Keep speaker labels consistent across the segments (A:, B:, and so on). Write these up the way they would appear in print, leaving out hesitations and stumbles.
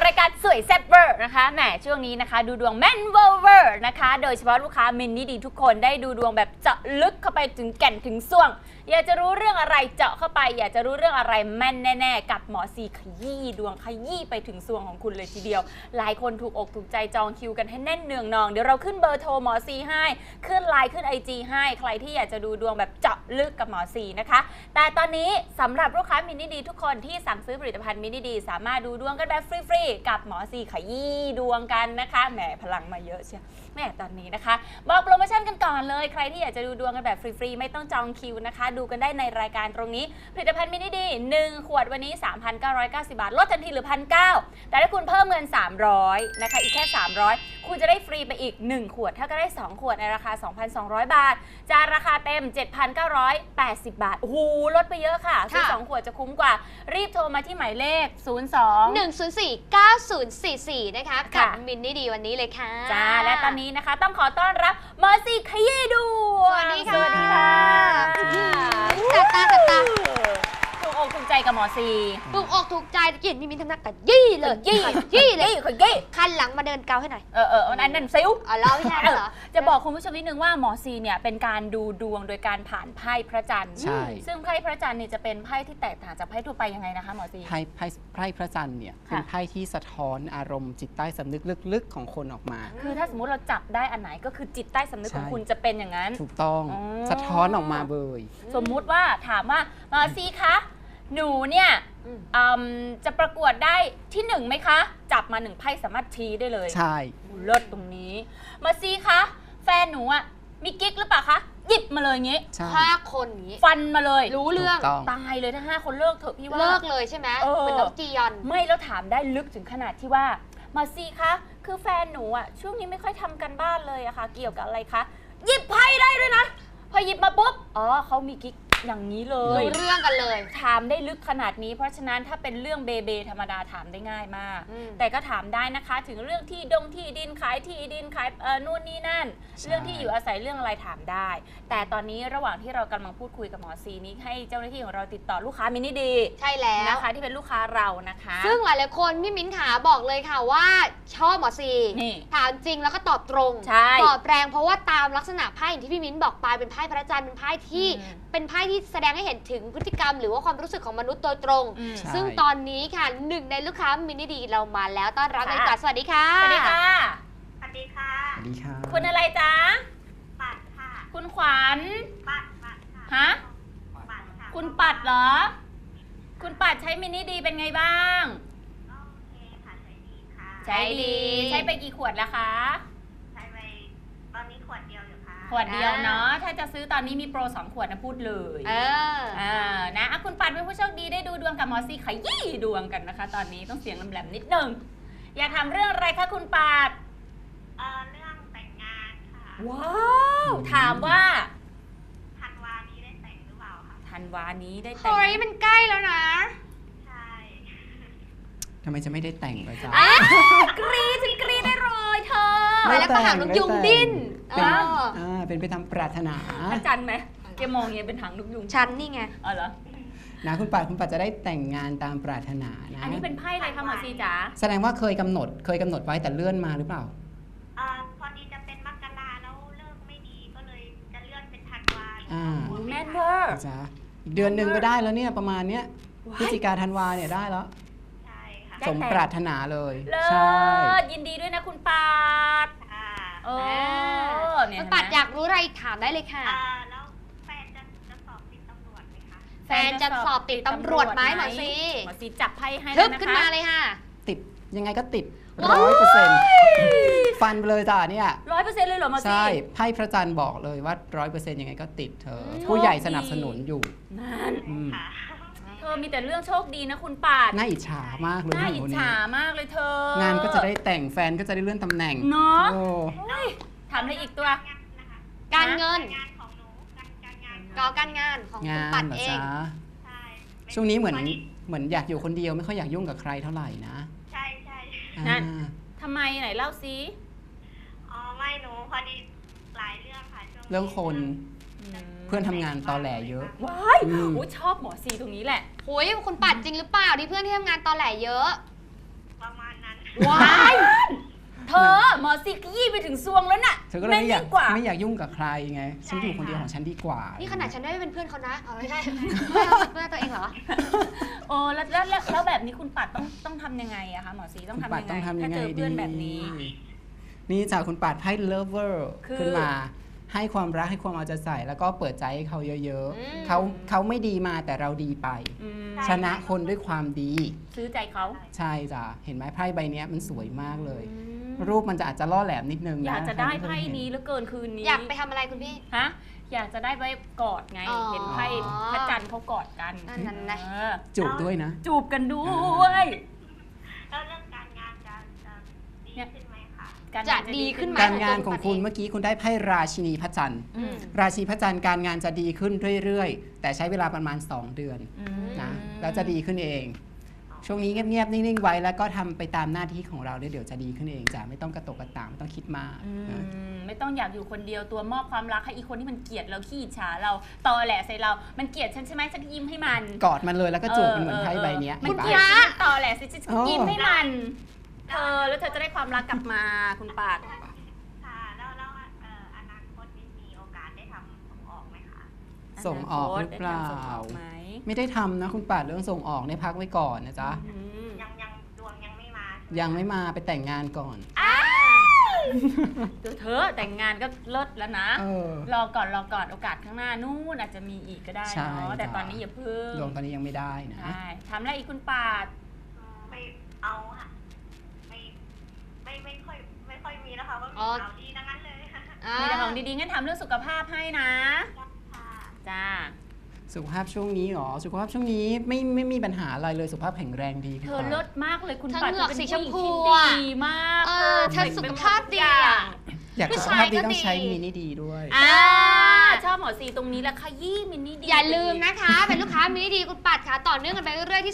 A: รายการสวยแซ่บเวอร์นะคะแหมช่วงนี้นะคะดูดวงแม่นเวอร์นะคะโดยเฉพาะลูกค้ามินนี่ดีทุกคนได้ดูดวงแบบเจาะลึกเข้าไปถึงแก่นถึงส่วงอยากจะรู้เรื่องอะไรเจาะเข้าไปอยากจะรู้เรื่องอะไรแม่นแน่ๆกับหมอซีขยี้ดวงขยี้ไปถึงส่วงของคุณเลยทีเดียวหลายคนถูกอกถูกใจจองคิวกันให้แน่นเนืองนองเดี๋ยวเราขึ้นเบอร์โทรหมอซีให้ขึ้นไลน์ขึ้น IG ให้ใครที่อยากจะดูดวงแบบเจาะลึกกับหมอซีนะคะแต่ตอนนี้สำหรับลูกค้ามินนี่ดีทุกคนที่สั่งซื้อผลิตภัณฑ์มินนี่ดีสามารถดูดวงกันแบบฟรีๆกับหมอซีขยี้ดวงกันนะคะแหมพลังมาเยอะเชียวแหมตอนนี้นะคะบอกโปรโมชั่นกันก่อนเลยใครที่อยากจะดูดวงกันแบบฟรีๆไม่ต้องจองคิวนะคะดูกันได้ในรายการตรงนี้ผลิตภัณฑ์มินิดี1ขวดวันนี้ 3,990 บาทลดทันทีเหลือ 1,900 แต่ถ้าคุณเพิ่มเงิน300นะคะอีกแค่300คุณจะได้ฟรีไปอีก1ขวดถ้าก็ได้2ขวดในราคา 2,200 บาทจากราคาเต็ม 7,980 บาทโอ้โหลดไปเยอะค่ะซื้อ2ขวดจะคุ้มกว่ารีบโทรมาที่หมายเลข
B: 02-104-9044นะคะกับมินนี่ดีวันนี้เลยค่ะ
A: จ้าและตอนนี้นะคะต้องขอต้อนรับหมอซีขยี้ดวง
B: สวัสดีค่ะ
A: สวัสดีค่ะ
B: จัดตาจัดตา
A: ถูกอกถูกใจกับหมอซี
B: ถูกอกถูกใจเกียรติมีทำหนักกับยี่เลยยี่เลย
A: ขยี้
B: คันหลังมาเดินเกาให้หน่อย
A: อันนั้นซิว
B: เราไม่ใช่เหรอ
A: จะบอกคุณผู้ชมนิดนึงว่าหมอซีเนี่ยเป็นการดูดวงโดยการผ่านไพ่พระจันทร์
C: ใช่
A: ซึ่งไพ่พระจันทร์เนี่ยจะเป็นไพ่ที่แตกต่างจากไพ่ทั่วไปยังไงนะคะหมอซี
C: ไพ่พระจันทร์เนี่ยเป็นไพ่ที่สะท้อนอารมณ์จิตใต้สำนึกลึกๆของคนออกมา
A: คือถ้าสมมุติเราจับได้อันไหนก็คือจิตใต้สำนึกของ
C: ใช่
A: คุณจะเป็นอย่างนั้น
C: ถูกต้อง
A: อ๋อ
C: สะท้อนออกมาเบย
A: สมมุติว่าถามว่าหมอซีคะหนูเนี่ยจะประกวดได้ที่1ไหมคะจับมา1ไพ่สามารถชี้ได้เลย
C: ใช่
A: เลิศตรงนี้หมอซีคะแฟนหนูอ่ะมีกิ๊กหรือเปล่าคะหยิบมาเลยงี้
C: ใช่
B: 5 คนอย่างนี้
A: ฟันมาเลย
B: รู้เรื่อง
C: ถูกต้อง
A: ตายเลยถ้า5 คนเลิกเถอะพี่ว่า
B: เลิกเลยใช่ไหมเหมือนน้องจียอน
A: ไม่แล้วถามได้ลึกถึงขนาดที่ว่ามาซีคะคือแฟนหนูอ่ะช่วงนี้ไม่ค่อยทำกันบ้านเลยอะค่ะเกี่ยวกับอะไรคะหยิบไพ่ได้ด้วยนะพอหยิบมาปุ๊บอ๋อเขามีกิ๊กอย่างนี้เล
B: รู้
A: ย
B: เรื่องกันเลย
A: ถามได้ลึกขนาดนี้เพราะฉะนั้นถ้าเป็นเรื่องเบธรรมดาถามได้ง่ายมาก แต่ก็ถามได้นะคะถึงเรื่องที่ดินขายที่ดินขายนู่นนี่นั่น
C: ใช่
A: เรื่องที่อยู่อาศัยเรื่องอะไรถามได้ แต่ตอนนี้ระหว่างที่เรากำลังพูดคุยกับหมอซีนี้ให้เจ้าหน้าที่ของเราติดต่อลูกค้ามินิดี
B: ใช่แล้ว
A: นะคะที่เป็นลูกค้าเรานะคะ
B: ซึ่งหลายๆคนพี่มิ้นขาบอกเลยค่ะว่าชอบหมอซี
A: นี่
B: ถามจริงแล้วก็ตอบตรง
A: ใช่
B: ตอบแรงเพราะว่าตามลักษณะไพ่อย่างที่พี่มิ้นบอกไปเป็นไพ่พระจันทร์เป็นไพ่ที่เป็นไพ่ที่แสดงให้เห็นถึงพฤติกรรมหรือว่าความรู้สึกของมนุษย์โดยตรง
A: อืม
C: ใช่
B: ซึ่งตอนนี้ค่ะหนึ่งในลูกค้ามินิดีเรามาแล้วต้อนรับเลยค่ะสวัสดีค่ะ
A: สวัสดีค่ะ
D: สวัสดีค่ะ
C: สวัสดีค่ะ
A: คุณอะไรจ๊ะ
D: ปัดค่ะ
A: คุณขวัญ
D: ปัดค่ะ
A: ฮะ
D: ปัดค่ะ
A: คุณปัดเหรอ คุณปัดใช้มินิดีเป็นไงบ้าง
D: โอเคค่ะใช้ดีค่ะ
A: ใช้ดี ใช้ไปกี่ขวดแล้วคะ
D: ใช้ไปตอนนี้ขวดเดียวอยู่ค่ะ
A: ขวดเดียวเนาะ ถ้าจะซื้อตอนนี้มีโปร2 ขวดนะพูดเลย นะอ่ะคุณปัดเป็นผู้โชคดีได้ดูดวงกับหมอซีขยี้ดวงกันนะคะ ตอนนี้ต้องเสียงแหลมๆนิดนึง อยากทำเรื่องอะไรคะคุณปัด
D: เรื่องแต่งงานค่ะ
A: ว้าว ถามว่า
D: ธันวานี้ได้แต่งหรือเปล่าคะ
A: ธันวานี้ได้แต่ง
B: เฮ้ยมันใกล้แล้วนะ
D: ใช่
C: ทำไมจะไม่ได้แต่งเลยจ๊ะ
A: กรีดฉันกรีดได้เลยเธอ
C: ไม่
B: แล้วก็หางนกยุงดิ้น
C: เป็น
B: เออ
C: เป็นไปตามปรารถนา
A: พระจันทร์ไหมแกมองอย่างเงี้ยเป็นหางนกยุง
B: ฉันนี่ไง
A: อ๋อเหรอ
C: นะคุณปัดจะได้แต่งงานตามปรารถนานะ
A: อันนี้เป็นไพ่อะไรคะหมอซีจ๋า
C: แสดงว่าเคยกำหนดไว้แต่เลื่อนมาหรือเปล่า
D: พอดีจะเป็นมกราแล้วเลิกไม่ดีก็เลยจะเลื่อนเป็นธันวา
A: แม่นเวอร์
C: จ๊ะอีกเดือนหนึ่งก็ได้แล้วเนี่ยประมาณเนี้ยพฤศจิกาธันวาเนี่ยได้แล้ว
D: ใช่ค่ะ
A: ได้
C: สมปรารถนาเลย
A: เลิ
C: ใช่
A: ศยินดีด้วยนะคุณปัด
D: ค่ะ
A: เออเนี่ย
B: คุณปัดอยากรู้อะไรถามได้เลยค่ะ
D: แล้วแฟนจะสอบติดตำรวจไหมคะ
B: แฟนจะสอบติดตำรวจไหมหมอซี
A: หมอซีจับไพ่ให้
B: ทึ
A: แล้ว
B: บ
A: นะคะ
B: ขึ้นมาเลยค่ะ
C: ติดยังไงก็ติด
B: ว้าย
C: 100%ฟันไปเลยจ้ะเนี่ย
A: 100%เลยเหรอหมอซี
C: ใช่ไพ่พระจันทร์บอกเลยว่า 100%ยังไงก็ติดเธอ
A: โชค
C: ผู้ใหญ่
A: ดี
C: สนับสนุนอยู่
A: นั่น
C: อืม
D: ค่ะ
A: เธอมีแต่เรื่องโชคดีนะคุณปัด
C: น่าอิจฉามากเลย
A: น่า
C: ผู้หญิ
A: อิ
C: ง
A: จ
C: คนนี้
A: ฉามากเลยเธอง
C: านก็จะได้แต่งแฟนก็จะได้เลื่อนตำแหน่ง
A: เนาะ
C: โอ้
A: ถามอะไรอีกตัว
B: การเงิน
D: งานของหนูการงาน
B: ก่อการงานของคุณ
C: งาน
B: ปัด
C: เหรอ
B: เอง
C: จ๊ะ
D: ใช่
C: ช่วงนี้เหมือนอยากอยู่คนเดียวไม่ค่อยอยากยุ่งกับใครเท่าไหร่นะ
D: ใช่ใช่
A: นั่น
C: อ่า
A: ทำไมไหนเล่าซิ
D: อ๋อไม่หนูพอดีหลายเรื่องค่ะช่วงนี้
C: เรื่องคนเพื่อนทำงานตอแหลเยอะ
A: ว้าย
C: อืม
A: โอ้ยชอบหมอซีตรงนี้แหละ
B: โหยคุณปัดจริงหรือเปล่าที่เพื่อนที่ทำงานตอแหลเยอะ
D: ประมาณนั้น
A: ว้ายเธอหมอซีขยี้ไปถึงซวงแล้วน่ะ
C: เธอก็เลยไม่อยาก
A: แม่นยิ่งกว่า
C: ไม่อยากยุ่งกับใครไง ฉันอยู่คนเดียวของฉันดีกว่า
B: นี่ขนาดฉันไม่เป็นเพื่อนเขานะเอาไม่ใช่ เพื่อนตัวเองเหรอ
A: โอ้แล้วแบบนี้คุณปัดต้องทำยังไงอะคะหมอซีต้อง
C: คุณ
A: ทำ
C: ปัด
A: ยัง
C: ต้อง
A: ไง
C: ทำยั
A: ถ้าง
C: ไง
A: เจอ
C: ดี
A: เพื่อนแบบนี้
C: นี่จากคุณปัดไพ่ lover
A: คือ
C: ขึ้นมาให้ความรักให้ความเอาใจใส่แล้วก็เปิดใจให้เขาเยอะ
B: อืม
C: ๆเขาไม่ดีมาแต่เราดีไป
A: อืม
C: ชนะคนด้วยความดี
A: ซื้อใจเขา
C: ใช่จ้ะเห็นไหมไพ่ใบเนี้ยมันสวยมากเลย
A: อืม
C: รูปมันจะอาจจะล่อแหลมนิดนึงนะ
A: อยากจะได้
C: ใคร
A: ไพ่
C: ม่เคยเห็
A: นี้เหลือเกินคืนนี้
B: อยากไปทำอะไรคุณพี่
A: ฮะอยากจะได้ไปกอดไง
B: อ๋อ
A: เห็นไพ่พระจันทร์เขากอดกัน
B: นั่นนะ
A: เออ
C: จูบด้วยนะ
A: จูบกันด้วย
D: แล้วเรื่องการงานจะดีขึ้นไหมคะ
A: การ
B: จะ
A: งาน
B: ดีขึ้นไหม
C: การงานของคุณ
B: เอ
C: เมื่อกี้คุณได้ไพ่ราชินีพระจันทร์
A: อืม
C: ราชินีพระจันทร์การงานจะดีขึ้นเรื่อยๆ แต่ใช้เวลาประมาณ 2 เดือน
A: อืม
C: นะแล้วจะดีขึ้นเอง ช่วงนี้เงียบๆนิ่งๆไว้แล้วก็ทำไปตามหน้าที่ของเราเดี๋ยวจะดีขึ้นเองจ้ะไม่ต้องกระตกกระตากไม่ต้องคิดมาก
A: อื
C: นะ
A: มไม่ต้องอยากอยู่คนเดียวตัวมอบความรักให้อีกคนที่มันเกลียดเราขี้อิจฉาเราตอแหลใส่เรา มันเกลียดฉันใช่ไหมฉันก็ยิ้มให้มัน
C: กอดมันเลยแล้วก็จูบมันเหมือนไพ่ใบเนี้ย
A: มัน
C: เห็นปะ
A: เกลียดฉันตอแหลสิฉัน
C: อ๋อ
A: ยิ้มให้มัน เธอแล้วเธอจะได้ความรักกลับมาคุณปาด
D: ค่ะแล้วอนาคตนี่มีโอกาสได้ทำส่งออกไหมคะ
C: ส่งออกหรือเปล่า
A: ได้ทำส่งออกไหม
C: ไม่ได้ทำนะคุณป่าดเรื่องส่งออกในยพักไว้ก่อนนะจ๊ะ
A: อืม
D: ยังดวงยังไม่มา
C: ยังไม่มาไปแต่งงานก่อน
A: เดี๋ยวเธอแต่งงานก็เลิศแล้วนะ
C: เออ
A: รอก่อนโอกาสข้างหน้านู่นอาจจะมีอีกก็ได้
C: ใช่
A: เนาะแต่
C: จ้ะ
A: ตอนนี้อย่าเพิ่ง
C: ดวงตอนนี้ยังไม่ได้นะ
A: ใช่ทำอะไรอีกคุณปาด
D: ไม่เอาค่ะไม่ค่อยมีแล้วค่ะว่ามี
B: อ๋อ
D: ข่าวดีทั้งนั้นเลยค่ะ
A: มีแต่ของดีๆงั้นทำเรื่องสุขภาพให้นะ จ้า
C: สุขภาพช่วงนี้หรอสุขภาพช่วงนี้ไม่มีปัญหาอะไรเลยสุขภาพแข็งแรงดีคุณ
A: เธอ
C: ป่าด
A: เลิศมากเลยคุณ
B: เธอ
A: ปัด
B: เหงือก
A: เป็น
B: สีชมพู
A: ผู้หญิงที่
B: อะ
A: ดีมาก
B: เออเธอสุขภาพดีอะ
C: อยาก
B: ผู้
C: สุข
B: ชาย
C: ภาพดี
B: ก็
C: ต้องใช้
B: ดี
C: มินิดีด้วย
A: อ่าชอบหมอซีตรงนี้แหละค่ะยี่มินนี่ดี
B: อย่าลืมนะคะ เป็นลูกค้ามินิดีคุณปัดค่ะ ต่อเนื่องกันไปเรื่อยๆที่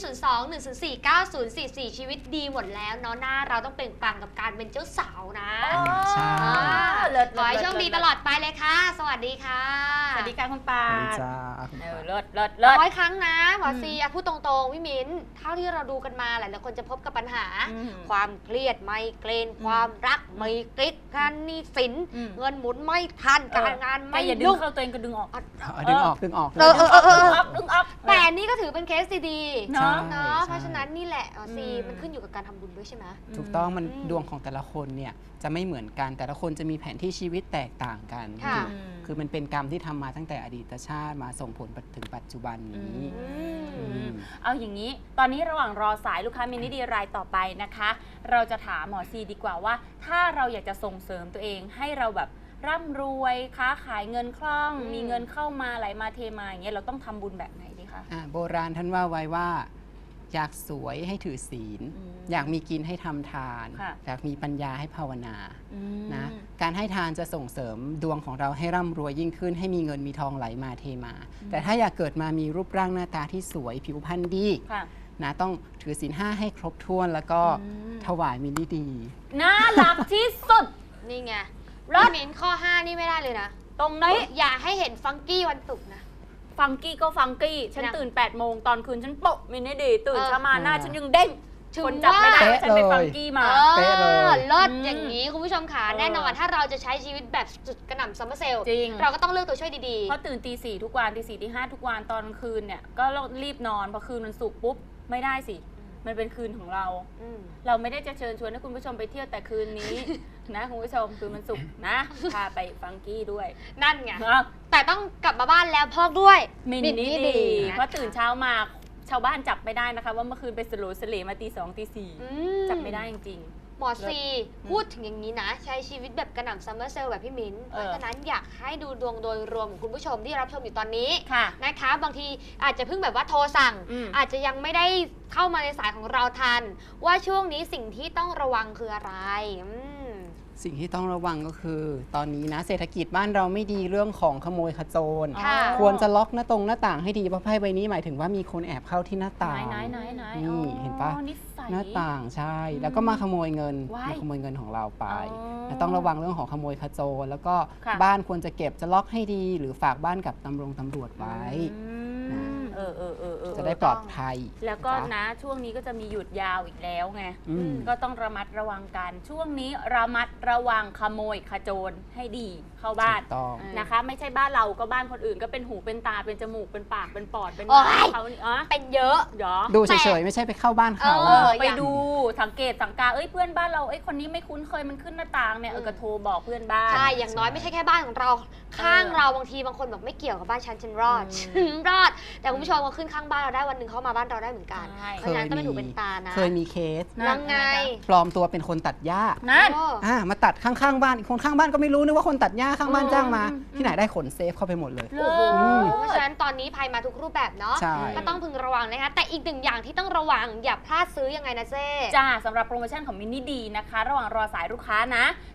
B: 02-104-9044 ชีวิตดีหมดแล้วเนาะหน้าเราต้องเปล่งปลั่งกับการเป็นเจ้าสาวนะ
C: ใช่
A: เลิศ
B: ขอให้โชคดีตลอดไปเลยค่ะ สวัสดีค่ะ
A: สวัสดีค่ะคุณปา
C: สวัสดี
A: ด
C: จ้าคุณ
A: เอ
C: ป่า
A: อ
C: ด
A: เลิศ
B: ร้อยครั้งนะหมอซีพูดตรงๆพี่มิ้นเท่าที่เราดูกันมาหลายๆคนจะพบกับปัญหา
A: อืม
B: ความเครียดไมเกรนความรักไมเกรนการหนี้สิน
A: อืม
B: เงินหมุนไม่ทันการงาน
A: แก
B: ไม่
A: อย่าดึง
B: ยุ่ง
A: เข้าตัวเองก็ดึงออก
C: เอาดึงออก
B: เออ
A: ดึงออก
B: แต่นี่ก็ถือเป็นเคสดี
A: เนาะ
B: ๆเนาะ
C: ใช่
B: เพราะฉะนั้นนี่แหละหมอซี
A: อืม
B: มันขึ้นอยู่กับการทำบุญด้วยใช่ไหม
C: ถูกต้องมัน
B: อืม
C: ดวงของแต่ละคนเนี่ยจะไม่เหมือนกันแต่ละคนจะมีแผนที่ชีวิตแตกต่างกัน
B: ค่ะ
C: คือมันเป็นกรรมที่ทำมาตั้งแต่อดีตชาติมาส่งผลถึงปัจจุบันนี้
B: อืม
A: เอาอย่างนี้ ตอนนี้ระหว่างรอสายลูกค้ามินิดีรายต่อไปนะคะ เราจะถามหมอซีดีกว่าว่า ถ้าเราอยากจะส่งเสริมตัวเองให้เราแบบร่ำรวยค้าขายเงินคล่อง
B: อืม
A: มีเงินเข้ามาไหลมาเทมาอย่างเงี้ยเราต้องทำบุญแบบไหนดีคะ
C: โบราณท่านว่าไว้ว่า อยากสวยให้ถือศีล
A: อืม
C: อยากมีกินให้ทำทาน
A: ค่ะ
C: อยากมีปัญญาให้ภาวนา
A: อืม
C: นะการให้ทานจะส่งเสริมดวงของเราให้ร่ำรวยยิ่งขึ้น ให้มีเงินมีทองไหลมาเทมา แต่ถ้าอยากเกิดมามีรูปร่างหน้าตาที่สวยผิวพรรณดี
A: ค่ะ
C: นะต้องถือศีล5ให้ครบถ้วนแล้วก็
A: อืม
C: ถวายมินิดี
A: น่ารักที่สุด
B: นี่ไง
A: รอด
B: พี่มิ้นข้อ 5 นี่ไม่ได้เลยนะ
A: ตรงนี้
B: อย่าให้เห็นฟังกี้วันศุกร์นะ
A: ฟังกี้ก็ฟังกี้ ฉัน
B: นะ
A: ตื่น 8 โมงตอนคืนฉันโปะมินิดีตื่น
B: เออ
A: เช้ามาหน้าฉันยังเด้ง
B: ถึง
A: คนจับไม่ได้
C: ว่า
A: ว่าฉันไปฟังกี้มา
C: เป๊ะเลย
B: เลิศ
A: อืม
B: อย่างนี้คุณผู้ชมค่ะ
A: เออ
B: แน่นอนถ้าเราจะใช้ชีวิตแบบสุดกระหน่ำซัมเมอร์เซลล์
A: จริง
B: เราก็ต้องเลือกตัวช่วยดี
A: เพราะตื่นตี 4 ทุกวันตี 4 ตี 5 ทุกวันตอนกลางคืนเนี่ยก็รีบนอนพอคืนมันสุกร์ปุ๊บไม่ได้สิ มันเป็นคืนของเรา
B: ๆอืม
A: เราไม่ได้จะเชิญชวนให้คุณผู้ชมไปเที่ยวแต่คืนนี้ นะคุณผู้ชมคืนมันสุกร์นะพาไปฟังกี้ด้วย
B: นั่นไง
A: เนาะ
B: แต่ต้องกลับมาบ้านแล้วพอกด้วย
A: มินนี่ดี เพราะตื่นเช้ามาชาวบ้านจับไม่ได้นะคะ ว่าเมื่อคืนไปสโลสเลมาตี 2 ตี
B: อื
A: 4จับไม่ได้จริง
B: หมอซีพูดถึงอย่างนี้นะ ใช้ชีวิตแบบกระหน่ำซัมเมอร์เซลล์แบบพี่มิ้นเพ
A: เออ
B: ราะฉะนั้นอยากให้ดูดวงโดยรวมของคุณผู้ชมที่รับชมอยู่ตอนนี้
A: ๆ ค่ะ
B: นะคะ บางทีอาจจะเพิ่งแบบว่าโทรสั่ง
A: อืม
B: อาจจะยังไม่ได้เข้ามาในสายของเราทัน ว่าช่วงนี้สิ่งที่ต้องระวังคืออะไรม
C: สิ่งที่ต้องระวังก็คือ ตอนนี้นะเศรษฐกิจบ้านเราไม่ดีเรื่องของขโมยขโจร
B: ค่ะ
C: ควรจะล็อกหน้าต่างให้ดีเพราะไพ่ใบนี้หมายถึงว่ามีคนแอบเข้าที่หน้าต่าง
A: ไหน
C: นี่
A: อ๋อ
C: เห็นปะ
A: นิสัย
C: หน้าต่างใช่ แล้วก็มาขโมยเงิน
A: ว้าย
C: มาขโมยเงินของเราไป
A: อ๋อ
C: แล้วต้องระวังเรื่องของขโมยขโจรแล้วก็
A: ค่ะ
C: บ้านควรจะเก็บจะล็อกให้ดี หรือฝากบ้านกับตำรวจไว้
A: อืม
C: จะได้ปลอดภัย
A: แล้วก็
C: จ๊
A: นะช่วงนี้ก็จะมีหยุดยาวอีกแล้วไง
C: อืม
A: ก็ต้องระมัดระวังกัน ช่วงนี้ระมัดระวังขโมยขโจรให้ดีเข้าบ้าน
C: ถูกต้อง
A: นะคะ ไม่ใช่บ้านเราก็บ้านคนอื่นก็เป็นหูเป็นตาเป็นจมูกเป็นปากเป็นปอดเป็น
B: โอ๊ย
A: เขานี่อ๋อ
B: เป็นเยอะ
A: เดี๋ยว
C: ดูเฉยๆไม่ใช่ไปเข้าบ้านเขา
B: เออ
A: ไปดูสังเกตสังกาเพื่อนบ้านเราคนนี้ไม่คุ้นเคยมันขึ้นหน้าต่างเนี่ยก็โทรบอกเพื่อนบ้าน
B: ใช่ อย่างน้อยไม่ใช่แค่บ้านของเรา ข้างเราบางทีบางคนแบบไม่เกี่ยวกับบ้านฉันรอด ฉันรอด แต่คุณผู้ชมมาขึ้นข้างบ้านเราได้วันหนึ่งเขามาบ้านเราได้เหมือนกัน
A: ใช่
B: เพราะฉะนั้นต้องเป็นหูเป็นตานะ
C: เคยมีเคส
B: ยังไง
C: ปลอมตัวเป็นคนตัดหญ้า
A: นั่น
B: โอ้
C: มาตัดข้างๆบ้านอีกคนข้างบ้านก็ไม่รู้นึกว่าคนตัดหญ้าข้างบ้านจ้างมา ที่ไหนได้ขนเซฟเข้าไปหมดเลย
B: โอ้โห
C: ม
B: เพราะฉะนั้นตอนนี้ภัยมาทุกรูปแบบเนาะ
C: ใช่
B: ก็ต้องพึงระวังนะคะ แต่อีกหนึ่งอย่างที่ต้องระวังอย่าพลาดซื้อยังไงนะเจ๊
A: จ้าสำหรับโปรโมชั่นของมินนี่ดีนะคะ ระหว่างรอสายลูกค้านะ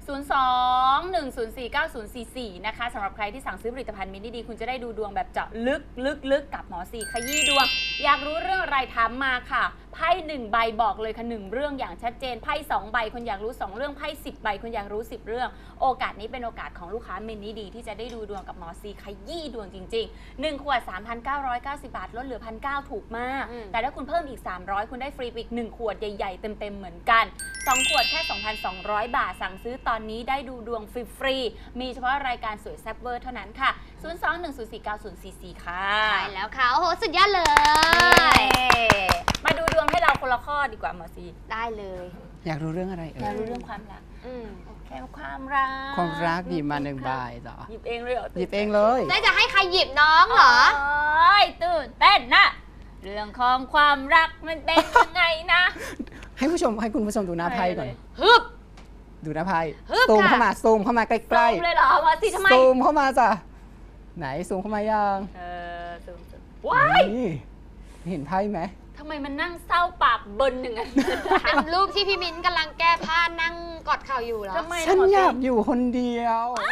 A: 02-104-9044 นะคะสำหรับใครที่สั่งซื้อผลิตภัณฑ์มินนี่ดีคุณจะได้ดูดวงแบบเจาะลึกกับหมอซีขยี้ดวง อยากรู้เรื่องอะไรถามมาค่ะไพ่1ใบบอกเลยค่ะ1เรื่องอย่างชัดเจนไพ่2ใบคุณอยากรู้2เรื่องไพ่10ใบคุณอยากรู้10เรื่องโอกาสนี้เป็นโอกาสของลูกค้ามินนี่ดีที่จะได้ดูดวงกับหมอซีขยี้ดวงจริงๆ1ขวด 3,990 บาทลดเหลือ 1,900 ถูกมาก แต่ถ้าคุณเพิ่มอีก300คุณได้ฟรีไปอีก1ขวดใหญ่ๆเต็มๆเหมือนกัน2ขวดแค่ 2,200 บาทสั่งซื้อตอนนี้ได้ดูดวงฟรีๆมีเฉพาะรายการสวยแซ่บเวอร์เท่านั้นค่ะ 02-104-9044 ค่ะ
B: ใช่แล้วค่ะ โอ้โห สุดยอดเลย
A: มาดูดวงให้เราคนละข้อดีกว่าหมอซี
B: ได้เลย
C: อยากรู้เรื่องอะไร
A: อยากรู้เรื่องความรัก
B: อืม
A: แค่ความรัก
C: ความรักดีมา1ใบจ้ะ
A: หยิบเองเลยเหรอ
C: หยิบเองเลย
B: ได้จะให้ใครหยิบน้องเหรอ
A: โอ้ยตื่นเต้นนะเรื่องของความรักมันเป็นยังไงนะ
C: ให้คุณผู้ชมดูหน้าไพ่ก่อน
B: ฮึบ
C: ดูหน้าไพ่
B: ฮึบ
C: ซูม
B: ค่ะ
C: เข้ามาซูมเข้ามาใก
A: ซู
C: ล้
A: มเลยเหรอหมอซีทำไม
C: ซูมเข้ามาจ้ะไหนซูมเข้ามายัง
A: ซูมว้าย
C: นี่เห็นไพ่ไหม
A: ทำไมมันนั่งเศร้าปากเบินอย่างนั้น
B: เป็นรูปที่พี่มิ้นท์กำลังแก้ผ้านั่งกอดเข่าอยู่เหรอ
A: ทำไม
C: ฉัน
A: หมอ
C: อ
A: ซี
C: ยากอยู่คนเดียว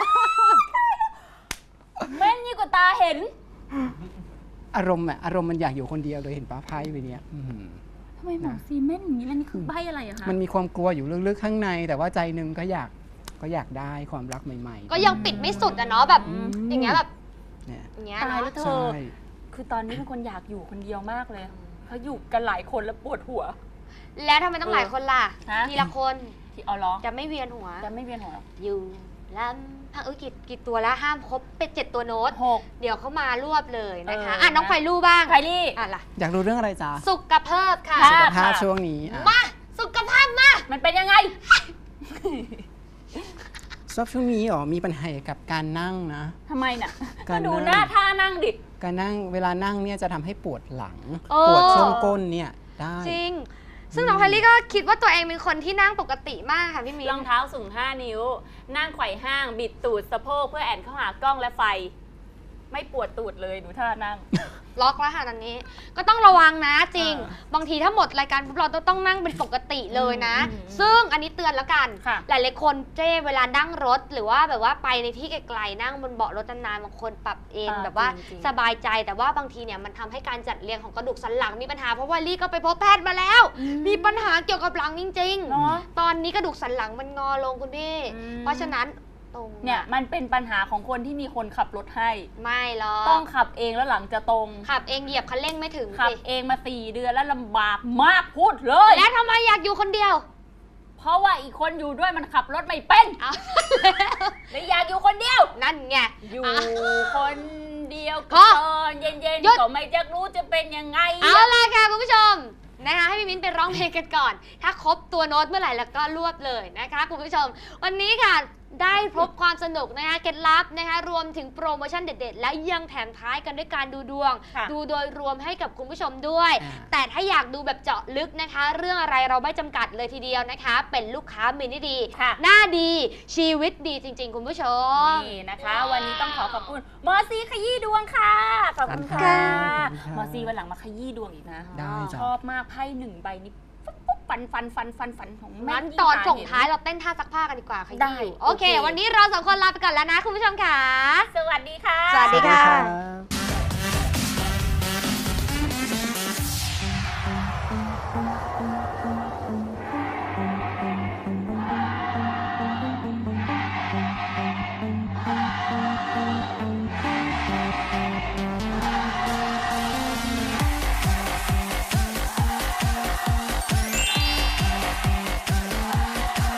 A: แม่นยิ่งกว่าตาเห็น
C: อารมณ์มันอยากอยู่คนเดียวเลยเห็นป้าไพ่ไปเนี้ยอื้อหือ
A: ทำไมหมอซีแม่นอย่างนี้แล้วนี่คือใบอะไรอะคะ
C: มันมีความกลัวอยู่ลึกๆข้างใน แต่ว่าใจหนึงก็อยากได้ความรักใหม่ๆ
B: ก็ยังปิดไม่สุดอะเนาะแบบ
C: อืม
B: อย่างเงี้ยแบบ
C: เนี่ย
B: อย่างเงี้ย
A: ตาย
B: เนาะ
A: แล้วเธ
C: ใช่
A: อ คือตอนนี้เป็นคนอยากอยู่คนเดียวมากเลยเขาอยู่กันหลายคนแล้วปวดหัว
B: แล้วทำไมต้องหลายคนล่ะ
A: ฮะ
B: ทีละคน
A: ที่เอาล้อ
B: จะไม่เวียนหัว
A: จะไม่เวียนหัวหรอ
B: อยู่ลำพังกี่ตัวแล้วห้ามครบเป็น7ตัวโน้ต
A: 6
B: เดี๋ยวเขามารวบเลยนะคะ
A: เอออ่
B: น้องไฟลู่บ้าง
A: ไคลี่
B: ล่ะ
C: อยากรู้เรื่องอะไรจ๊ะ
B: สุขภาพค่ะ
A: ค่ะ
C: สุขภาพช่วงนี้อ่ะ
B: มาสุขภาพมา
A: มันเป็นยังไง
C: ชอบช่วงนี้มีปัญหากับการนั่งนะ
A: ทำไมน่ะ
C: กา
A: ก็
C: ร
A: ดู
C: นั่ง
A: หน้าท่านั่งดิ
C: การนั่งเวลานั่งเนี่ยจะทำให้ปวดหลัง
B: โอ้
C: ปวดช่วงก้นเนี่ยได้
B: จริง ซึ่งน้องไพลี่ก็คิดว่าตัวเองเป็นคนที่นั่งปกติมากค่ะพี่มิ้น
A: รองเท้าสูง 5 นิ้ว นั่งไขว่ห้าง บิดตูดสะโพกเพื่อแอนเข้าหากล้องและไฟ ไม่ปวดตูดเลยดูท่านั่ง
B: ล็อกแล้วค่ะตอนนี้ ก็ต้องระวังนะจริง
A: เออบ
B: างทีถ้าหมดรายการปุ๊บเราต้องนั่งเป็นปกติเลยนะ
A: อืม
B: ซึ่งอันนี้เตือนแล้วกัน
A: ค่ะ
B: หลายๆคนเวลานั่งรถหรือว่าแบบว่าไปในที่ไกลๆนั่งบนเบาะรถนานๆบางคนปรับเอนแบบว่า
A: จริงๆ
B: สบายใจแต่ว่าบางทีเนี่ยมันทำให้การจัดเรียงของกระดูกสันหลังมีปัญหาเพราะว่าลี่ก็ไปพบแพทย์มาแล้ว มีปัญหาเกี่ยวกับหลังจริง
A: เนาะ
B: ๆ ตอนนี้กระดูกสันหลังมันงอลงคุณพี่
A: อืม
B: เพราะฉะนั้นตรง
A: เนี่ยมันเป็นปัญหาของคนที่มีคนขับรถให้
B: ไม่หรอก
A: ต้องขับเองแล้วหลังจะตรง
B: ขับเองเหยียบคันเร่งไม่ถึง
A: ขับ
B: สิ
A: เองมา 4 เดือนแล้วลำบากมากพูดเลย
B: แล้วทำไมอยากอยู่คนเดียว
A: เพราะว่าอีกคนอยู่ด้วยมันขับรถไม่เป็น
B: เอา
A: เลยอยากอยู่คนเดียว
B: นั่นไง
A: อยู่
B: อ่ะ
A: คนเดียว
B: พอ
A: ก็ตอนเย็น
B: หยุด
A: ๆก็ไม่จะรู้จะเป็นยังไง
B: เอาล่ะค่ะคุณผู้ชมนะคะให้พี่มิ้นไปร้องเพลงกันก่อน ถ้าครบตัวโน้ตเมื่อไหร่แล้วก็รวบเลยนะคะคุณผู้ชม วันนี้ค่ะได้พบความสนุกนะคะเคล็ดลับนะคะรวมถึงโปรโมชั่นเด็ดๆ และยังแถมท้ายกันด้วยการดูดวง
A: ค่ะ
B: ดูโดยรวมให้กับคุณผู้ชมด้วย
C: อ่า
B: แต่ถ้าอยากดูแบบเจาะลึกนะคะ เรื่องอะไรเราไม่จำกัดเลยทีเดียวนะคะ เป็นลูกค้ามินิดี
A: ค่ะ
B: หน้าดีชีวิตดีจริง ๆ คุณผู้ชม
A: นี่นะคะ วันนี้ต้องขอบคุณหมอซีขยี้ดวงค่ะขอบคุณค่ะ
C: ขอบคุณค่ะ
A: หมอซีวันหลังมาขยี้ดวงอีกนะ
C: ได้จ้ะ
A: ชอบมากไพ่1 ใบนี้ปุ๊บฟันของแม่
B: งั้น
A: ยิ่
B: ตอน
A: ต
B: ส่ง
A: เห็
B: ท้ายเราเต้นท่าซักผ้ากันดีกว่าค่ะ
A: ได้
B: ยี่
A: โอ
B: โอ
A: เค
B: เค วันนี้เราสองคนลาไปก่อนแล้วนะคุณผู้ชมค่ะ
A: สวัสดีค่ะ
B: สวัสดีค่ะ
C: รับ